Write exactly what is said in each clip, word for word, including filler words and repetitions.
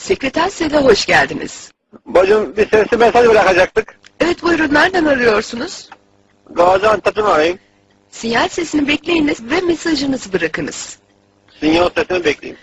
Sekreter Sel'e hoş geldiniz. Bacım bir sesli mesaj bırakacaktık. Evet buyurun, nereden arıyorsunuz? Gaziantep'ten arayayım. Sinyal sesini bekleyiniz ve mesajınızı bırakınız. Sinyal sesini bekleyeyim.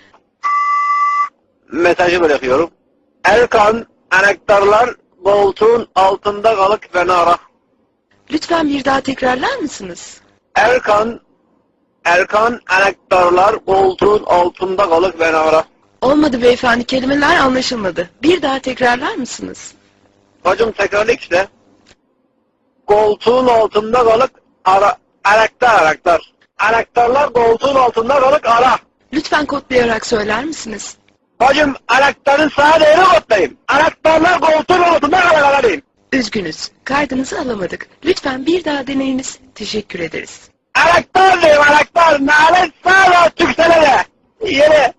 Mesajı bırakıyorum. Erkan, anahtarlar koltuğun altında kalık beni ara. Lütfen bir daha tekrarlar mısınız? Erkan, Erkan, anahtarlar koltuğun altında kalık beni ara. Olmadı beyefendi, kelimeler anlaşılmadı. Bir daha tekrarlar mısınız? Bacım tekrarlık işte. Koltuğun altında kalık ara. Anahtar, anahtar. Anahtarlar koltuğun altında kalık ara. Lütfen kodlayarak söyler misiniz? Bacım anahtarın sağa değeri kodlayayım. Anahtarlar koltuğun altında kalık ara diyeyim. Üzgünüz, kaydınızı alamadık. Lütfen bir daha deneyiniz. Teşekkür ederiz. Anahtar diyeyim, anahtar. Nalet sağa tüksene de. Yere.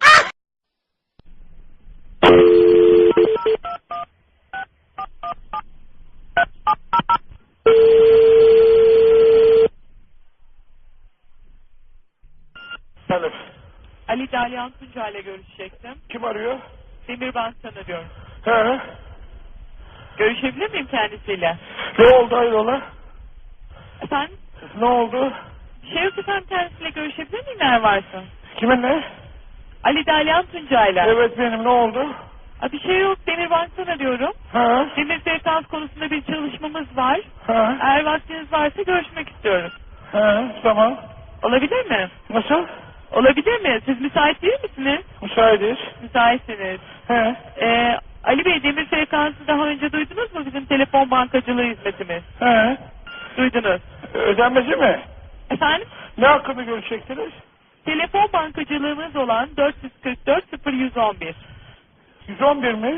Alo. Ali Dalyan Tunca ile görüşecektim. Kim arıyor? Demirbank'tan arıyorum. He. Görüşebilir miyim kendisiyle? Ne oldu hayrola? Efendim? Ne oldu? Bir şey yok efendim, kendisiyle görüşebilir miyim eğer varsa? Kimin ne? Ali Dalyan Tunca ile. Evet benim, ne oldu? Aa, bir şey yok, Demirbank'tan arıyorum. Ha? Demir frekans konusunda bir çalışmamız var. Ha? Eğer vaktiniz varsa görüşmek istiyoruz. Ha? Tamam. Olabilir mi? Nasıl? Olabilir mi? Siz müsait değil misiniz? Müsaitiz. Müsaitsiniz. He. Ee, Ali Bey, demir frekansı daha önce duydunuz mu, bizim telefon bankacılığı hizmetimiz? He. Duydunuz. Ödenmesi mi? Efendim? Ne hakkında görüşecektiniz? Telefon bankacılığımız olan dört yüz kırk dört sıfır yüz on bir. yüz on bir mi?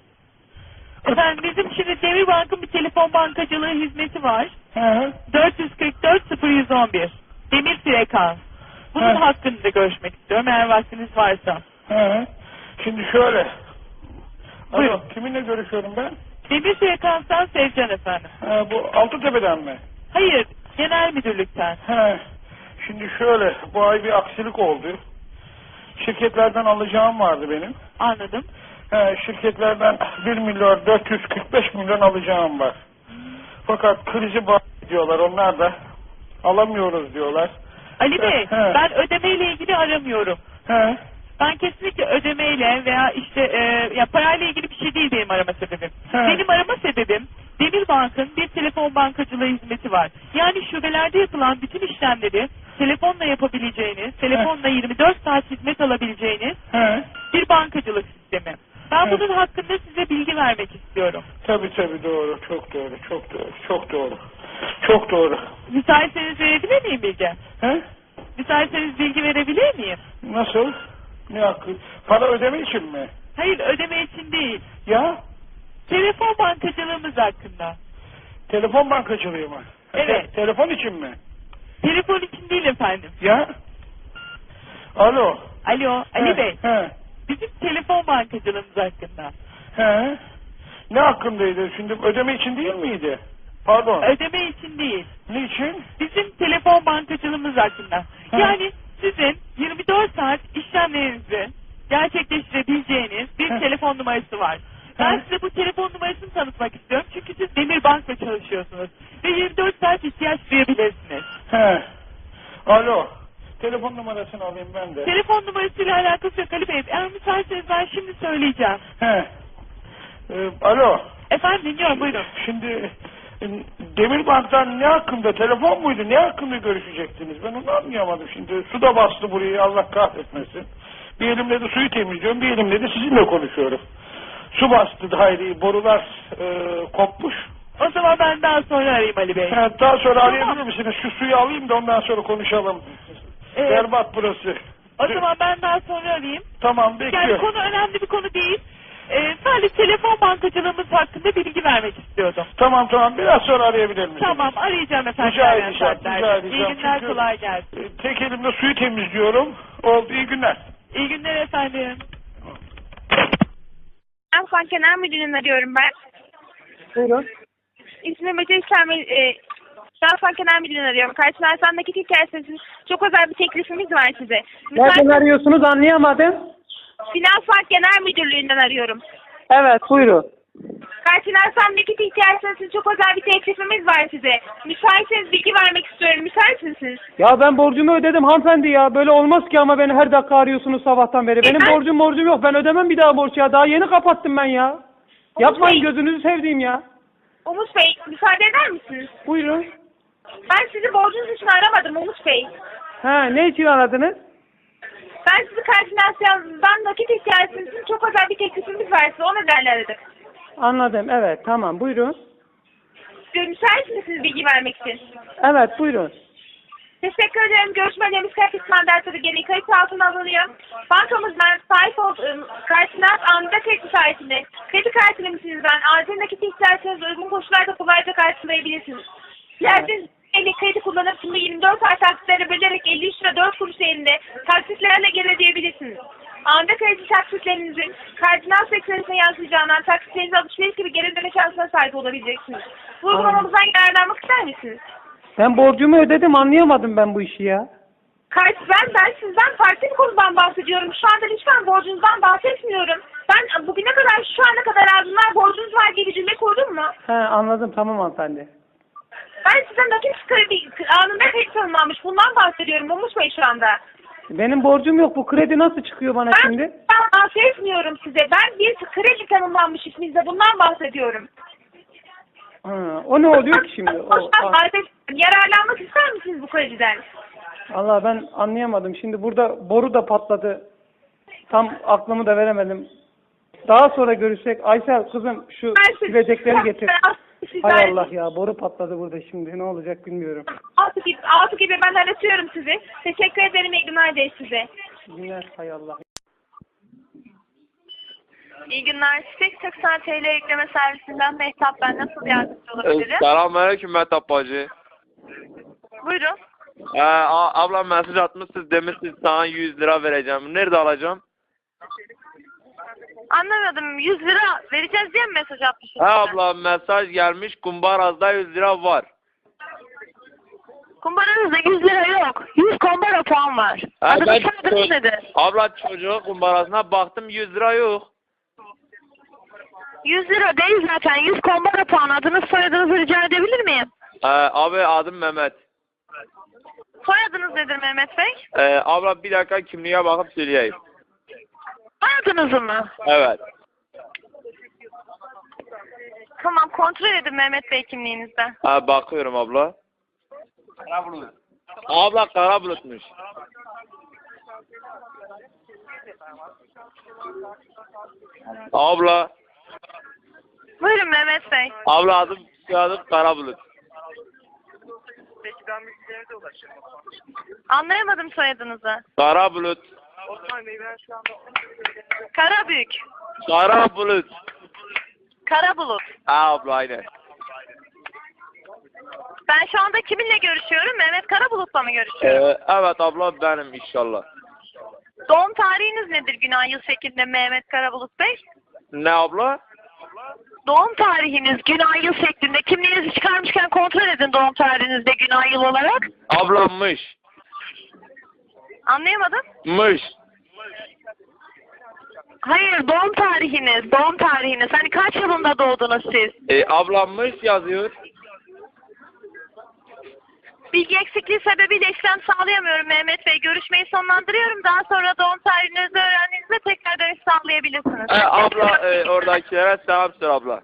Efendim bizim şimdi Demirbank'ın bir telefon bankacılığı hizmeti var. He. dört yüz kırk dört sıfır yüz on bir. Demir frekans. Bunun He. hakkında görüşmek istiyorum eğer vaktiniz varsa. He. Şimdi şöyle. Buyurun. Alo, kiminle görüşüyorum ben? Demir frekanstan Sevcan efendim. Ha, bu Altıtepe'den mi? Hayır, genel müdürlükten. He. Şimdi şöyle, bu ay bir aksilik oldu. Şirketlerden alacağım vardı benim. Anladım. He, şirketlerden bir milyar dört yüz kırk beş milyon alacağım var. Fakat krizi bağlı diyorlar, onlar da alamıyoruz diyorlar. Ali Bey, He. ben ödemeyle ilgili aramıyorum. He. Ben kesinlikle ödemeyle veya işte e, ya parayla ilgili bir şey değil benim arama sebebim. He. Benim arama sebebim Demirbank'ın bir telefon bankacılığı hizmeti var. Yani şubelerde yapılan bütün işlemleri telefonla yapabileceğiniz, telefonla yirmi dört saat hizmet alabileceğiniz He. bir bankacılık sistemi. Ben He. bunun hakkında size bilgi vermek istiyorum. Tabii tabii, doğru, çok doğru, çok doğru, çok doğru. Çok doğru. Müsaitseniz verebilir miyim bilgi? He? Müsaitseniz bilgi verebilir miyim? Nasıl? Ne hakkı? Para ödeme için mi? Hayır, ödeme için değil. Ya? Telefon bankacılığımız hakkında. Telefon bankacılığı mı? Evet. Te- telefon için mi? Telefon için değil efendim. Ya? Alo. Alo, Ali He, Bey. He. Bizim telefon bankacılığımız hakkında. He. Ne hakkındaydı? Şimdi ödeme için değil miydi? Pardon. Ödeme için değil. Niçin? Bizim telefon bankacılığımız hakkında. He. Yani sizin yirmi dört saat işlemlerinizi gerçekleştirebileceğiniz bir He. telefon numarası var. Ben He. size bu telefon numarasını tanıtmak istiyorum. Çünkü siz Demirbank'la çalışıyorsunuz. Ve yirmi dört saat ihtiyaç duyabilirsiniz. He. Alo. Telefon numarasını alayım ben de. Telefon numarasıyla alakası yok Ali Bey. Eğer müsaitseniz ben şimdi söyleyeceğim. He. Ee, alo. Efendim dinliyorum, buyurun. Şimdi e, Demirbank'tan ne hakkında, telefon muydu, ne hakkında görüşecektiniz? Ben onu anlayamadım şimdi. Su da bastı burayı, Allah kahretmesin. Bir elimle de suyu temizliyorum, bir elimle de sizinle konuşuyorum. Su bastı daireyi, borular e, kopmuş. O zaman ben daha sonra arayayım Ali Bey. Ha, daha sonra Tamam. arayabilir misiniz? Şu suyu alayım da ondan sonra konuşalım. Evet. Berbat burası. O zaman ben daha sonra arayayım. Tamam, Yani bekliyorum. konu önemli bir konu değil. Ee, sadece telefon bankacılığımız hakkında bilgi vermek istiyordum. Tamam tamam, biraz sonra arayabilir misiniz? Tamam, arayacağım efendim. Rica ilerleyen edeceğim, saatlerde. rica edeceğim. İyi günler, Çünkü- kolay gelsin. E, Tek elimle suyu temizliyorum. Oldu, iyi günler. İyi günler efendim. Afgan Genel Müdürlüğü'nü arıyorum ben. Buyurun. İsmim Mete İslam. E, Afgan Genel Müdürlüğü'nü arıyorum. Karşılarsan dakika hikayesi. Çok özel bir teklifimiz var size. Nereden Müsait- arıyorsunuz, anlayamadım. Finans Bank Genel Müdürlüğü'nden arıyorum. Evet buyurun. Kart finansal nakit ihtiyacınız için çok özel bir teklifimiz var size. Müsaitseniz bilgi vermek istiyorum. Müsait misiniz? Ya ben borcumu ödedim hanımefendi ya. Böyle olmaz ki ama beni her dakika arıyorsunuz sabahtan beri. Benim Ben- borcum borcum yok. Ben ödemem bir daha borç ya. Daha yeni kapattım ben ya. Yapmayın Bey. gözünüzü sevdiğim ya. Umut Bey, müsaade eder misiniz? Buyurun. Ben sizi borcunuz için aramadım Umut Bey. Ha ne için aradınız? Ben sizi kart finansiyondan nakit ihtiyacınız için çok özel bir teklifimiz var size. O nedenle aradık. Anladım evet tamam buyurun. Müsait misiniz bilgi vermek için? Evet buyurun. Teşekkür ederim. Görüşmelerimiz kart ismandatları gereği kayıt altına alınıyor. Bankamızdan sahip olduğum kart finans anında kredi sayesinde kredi kartı limitinizden acil nakit ihtiyacınızı uygun koşullarda kolayca karşılayabilirsiniz. Dilerseniz elle kredi kullanıp şimdi yirmi dört ay taksitlere bölerek elli üç lira dört kuruş değerinde taksitlerle geri ödeyebilirsiniz. Anında kredi taksitlerinizin kardinal sektörüne yansıyacağından taksitlerinizi alışveriş gibi geri ödeme şansına sahip olabileceksiniz. Bu uygulamamızdan yararlanmak ister misiniz? Ben borcumu ödedim anlayamadım ben bu işi ya. Kart ben, ben sizden farklı bir konudan bahsediyorum. Şu anda lütfen borcunuzdan bahsetmiyorum. Ben bugüne kadar şu ana kadar ardından borcunuz var diye bir cümle kurdum mu? He anladım tamam hanımefendi. Ben size nakit kredi anında kredi tanımlanmış. Bundan bahsediyorum Umut Bey şu anda. Benim borcum yok. Bu kredi nasıl çıkıyor bana Ben, şimdi? ben bahsetmiyorum size. Ben bir kredi tanımlanmış isminizde bundan bahsediyorum. Ha, o ne oluyor ki şimdi? O, Boştan bahsediyorum. Yararlanmak ister misiniz bu krediden? Allah ben anlayamadım. Şimdi burada boru da patladı. Tam aklımı da veremedim. Daha sonra görüşsek. Aysel kızım şu Ben siz- silecekleri getir. Sizler- Hay Allah ya boru patladı burada şimdi. Ne olacak bilmiyorum. Altı gibi, altı gibi ben aratıyorum sizi. Teşekkür ederim. İyi günler de size. Günler hay Allah. İyi günler. Çiçek seksen T L yükleme servisinden Mehtap, ben nasıl yardımcı olabilirim? Selamünaleyküm Mehtap bacı. Buyurun. Ee, a- ablam mesaj atmışsınız demişsiniz sana yüz lira vereceğim. Nerede alacağım? Anlamadım. yüz lira vereceğiz diye mi mesaj atmışsınız? He abla mesaj gelmiş kumbarazda yüz lira var. Kumbaranızda yüz lira yok. yüz kumbara puan var. He, Adınız ben soyadınız ço- nedir? Abla çocuğun kumbarasına baktım yüz lira yok. yüz lira değil zaten. yüz kumbara puan. Adınız soyadınızı rica edebilir miyim? Ee, abi adım Mehmet. Soyadınız nedir Mehmet Bey? Ee, abla bir dakika kimliğe bakıp söyleyeyim. Soyadınızı mı? Evet. Tamam, kontrol edin Mehmet Bey kimliğinizden. Ha, bakıyorum abla. Abla kara bulutmuş. Abla. Buyurun Mehmet Bey. Abla adım soyadım kara bulut. Anlayamadım soyadınızı. Kara bulut. Karabük. Kara bulut. Karabulut. Ha abla aynen. Ben şu anda kiminle görüşüyorum? Mehmet Karabulut'la mı görüşüyorum? Ee, evet abla benim inşallah. Doğum tarihiniz nedir günah yıl şeklinde Mehmet Karabulut Bey? Ne abla? Doğum tarihiniz günah yıl şeklinde. Kimliğinizi çıkarmışken kontrol edin doğum tarihinizde günah yıl olarak. Ablammış. Anlayamadım. Mış. Hayır, doğum tarihiniz, doğum tarihiniz. Hani kaç yılında doğdunuz siz? E, ablammış yazıyor. Bilgi eksikliği sebebiyle işlem sağlayamıyorum Mehmet Bey. Görüşmeyi sonlandırıyorum. Daha sonra doğum tarihinizi öğrendiğinizde tekrar dönüş sağlayabilirsiniz. E, abla e, oradakilere selam söyle abla.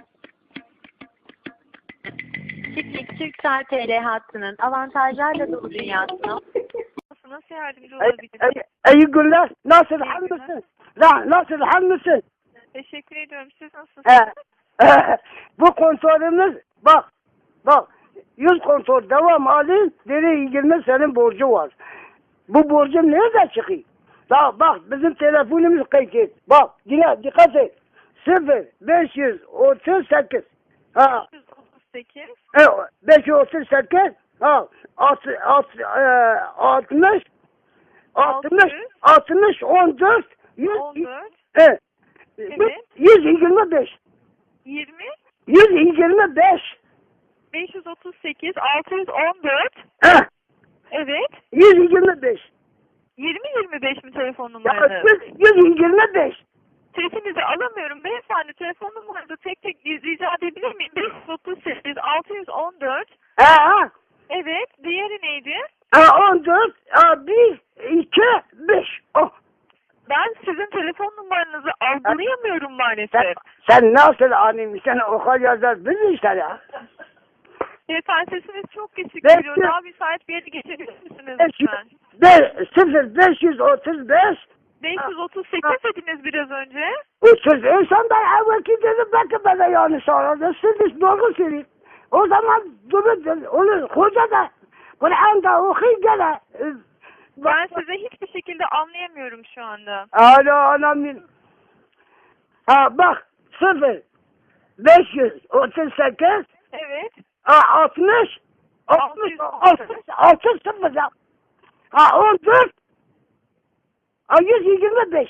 Çiftlik Türksel T L hattının avantajlarla dolu dünyasına Nasıl yardımcı Ey, olabilirim? ey, iyi günler. Nasıl hal mısın? La, nasıl hal mısın? Teşekkür ediyorum. Siz nasılsınız? He, he, bu kontrolümüz bak bak yüz kontrol devam alın deri yirmi senin borcu var. Bu borcun nerede çıkıyor? Bak bak bizim telefonumuz kayıt et. Bak yine dikkat et. sıfır beş yüz otuz sekiz ha beş yüz otuz sekiz e, beş yüz otuz sekiz ha alt, alt, e, altmış altmış altmış on dört yüz on dört evet. Evet. yüz yirmi beş yirmi yüz yirmi beş beş yüz otuz sekiz altı yüz on dört Heh, Evet. yüz yirmi beş yirmi yirmi beş mi telefon Ya numaranız? yüz yirmi beş. Sesinizi alamıyorum beyefendi. Telefon numaranızı tek tek rica edebilir miyim? beş yüz otuz sekiz altı yüz on dört. Ha. Evet. Diğeri neydi? Ha on dört. Ha bir, iki, beş. Oh. Ben sizin telefon numaranızı algılayamıyorum Sen, maalesef. sen nasıl anlayayım? Sen okul yazar biz işte ya. Beyefendi sesiniz çok kesik Ben- geliyor. Daha müsait bir yere geçebilir misiniz Beş, lütfen? be, sıfır beş yüz otuz beş. beş yüz otuz sekiz dediniz biraz önce. Otuz. İnsan da evvelki dedim belki bana yanlış aradı. Siz doğru söyleyin. O zaman durun. Onu hoca da Kur'an'da okuyun gene. Ben size hiçbir şekilde anlayamıyorum şu anda. Alo anam. Ha bak sıfır beş yüz otuz sekiz Evet. ha altmış altmış altmış altı sıfır ya. Ha on dört ha yüz yirmi beş.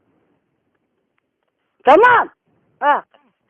Tamam. Ha.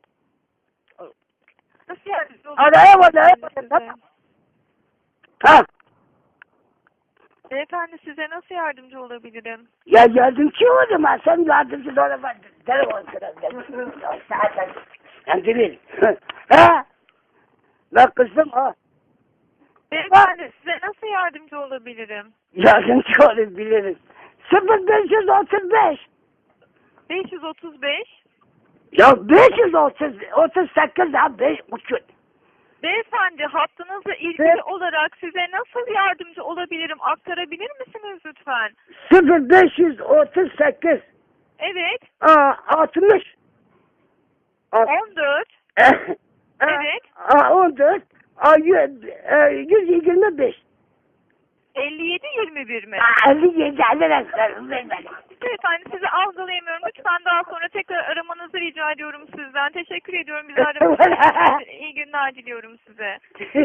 Nasıl yani? Araya var araya var. Ha. Beyefendi size nasıl yardımcı olabilirim? Ya yardımcı oldum ha. Sen yardımcı da olamadın. Telefon kırıldı. Zaten. Ben değil. Ha. Bak kızım ha. Beyefendi size nasıl yardımcı olabilirim? Yardımcı olabilirim. sıfır beş yüz otuz beş. beş yüz otuz beş. Ya beş yüz otuz, otuz sekiz ha beş buçuk. Beyefendi hattınızla ilgili Evet. olarak size nasıl yardımcı olabilirim? Aktarabilir misiniz lütfen? sıfır beş yüz otuz sekiz. Evet. Aa, altmış. on dört. Evet. Evet. Aa, on dört. Aa, yüz, e, yüz yirmi beş. elli yedi yirmi bir mi? Aa, elli yedi elli Beyefendi sizi algılayamıyorum. Lütfen daha sonra tekrar aramanızı rica ediyorum sizden. Teşekkür ediyorum bizi aramanız için. İyi günler diliyorum size.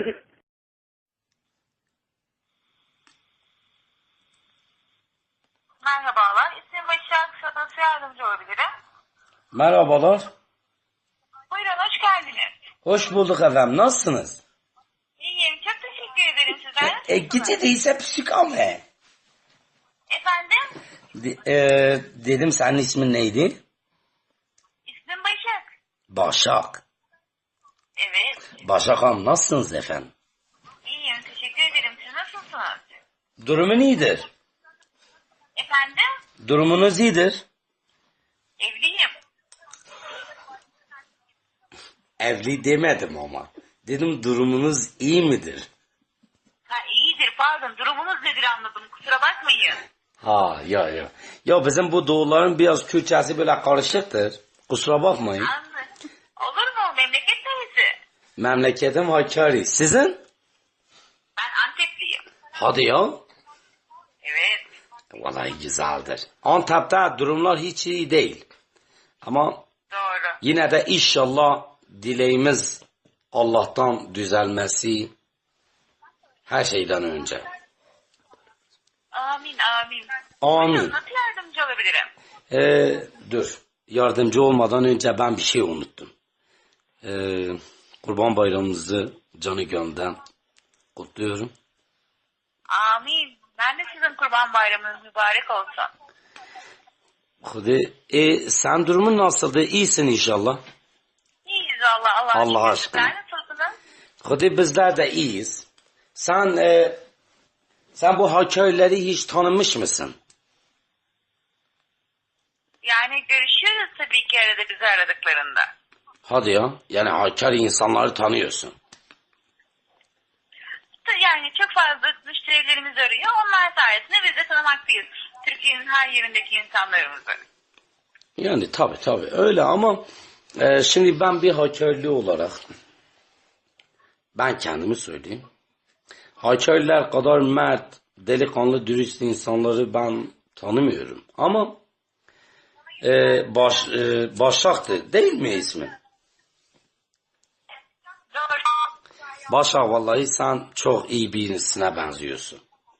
Merhabalar. İsmim Başak. Sana nasıl yardımcı olabilirim? Merhabalar. Buyurun hoş geldiniz. Hoş bulduk efendim. Nasılsınız? İyiyim. Çok teşekkür ederim size. E, gece değilse psikame. Efendim? De, e, dedim senin ismin neydi? İsmim Başak. Başak. Evet. Başak Hanım nasılsınız efendim? İyiyim. Teşekkür ederim. Siz nasılsınız? Durumun iyidir. Efendim? Durumunuz iyidir. Evliyim. Evli demedim ama. Dedim durumunuz iyi midir? Ha iyidir. Pardon. Durumunuz nedir anladım. Kusura bakmayın. Ha ya ya. Ya bizim bu doğuların biraz Kürtçesi böyle karışıktır. Kusura bakmayın. Anladım. Olur mu? Memleket neresi? Memleketim Hakkari. Sizin? Ben Antepliyim. Hadi ya. Evet. Vallahi güzeldir. Antep'te durumlar hiç iyi değil. Ama Doğru. yine de inşallah dileğimiz Allah'tan düzelmesi her şeyden önce. Amin amin. Amin. Buyurun, nasıl yardımcı olabilirim? Ee, dur. Yardımcı olmadan önce ben bir şey unuttum. Ee, Kurban Bayramımızı canı gönülden kutluyorum. Amin. Ben de sizin kurban bayramınız mübarek olsun. Hadi, e, sen durumun nasıldı? İyisin inşallah. İyiyiz Allah Allah. Allah aşkına. Sen nasılsınız? Hadi bizler de iyiyiz. Sen e, sen bu Hakkari'leri hiç tanımış mısın? Yani görüşüyoruz tabii ki arada bizi aradıklarında. Hadi ya. Yani Hakkari insanları tanıyorsun. Yani çok fazla müşterilerimiz arıyor. Onlar sayesinde biz de tanımaktayız. Türkiye'nin her yerindeki insanlarımızı. Yani tabii tabii öyle ama e, şimdi ben bir Hakkari'li olarak ben kendimi söyleyeyim. Hakkari'ler kadar mert, delikanlı, dürüst insanları ben tanımıyorum. Ama e, baş, e, Başak'tı değil mi ismi? Doğru. Başak vallahi sen çok iyi birisine benziyorsun.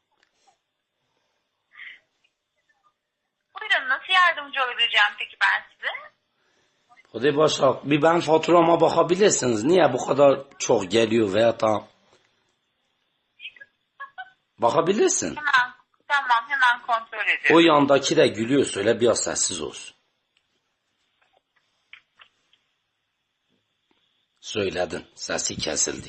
Buyurun nasıl yardımcı olabileceğim peki ben size? Hadi Başak bir ben faturama bakabilirsiniz. Niye bu kadar çok geliyor veya da bakabilirsin. Tamam. Tamam, hemen kontrol ediyorum. O yandaki de gülüyor, söyle biraz sessiz olsun. Söyledin, sesi kesildi.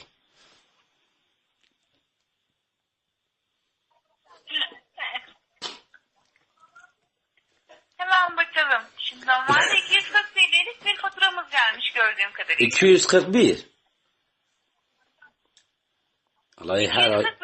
Hemen bakalım. Şimdi normalde iki yüz kırk T L'lik bir faturamız gelmiş gördüğüm kadarıyla. iki yüz kırk bir. Vallahi her ay iki yüz kırk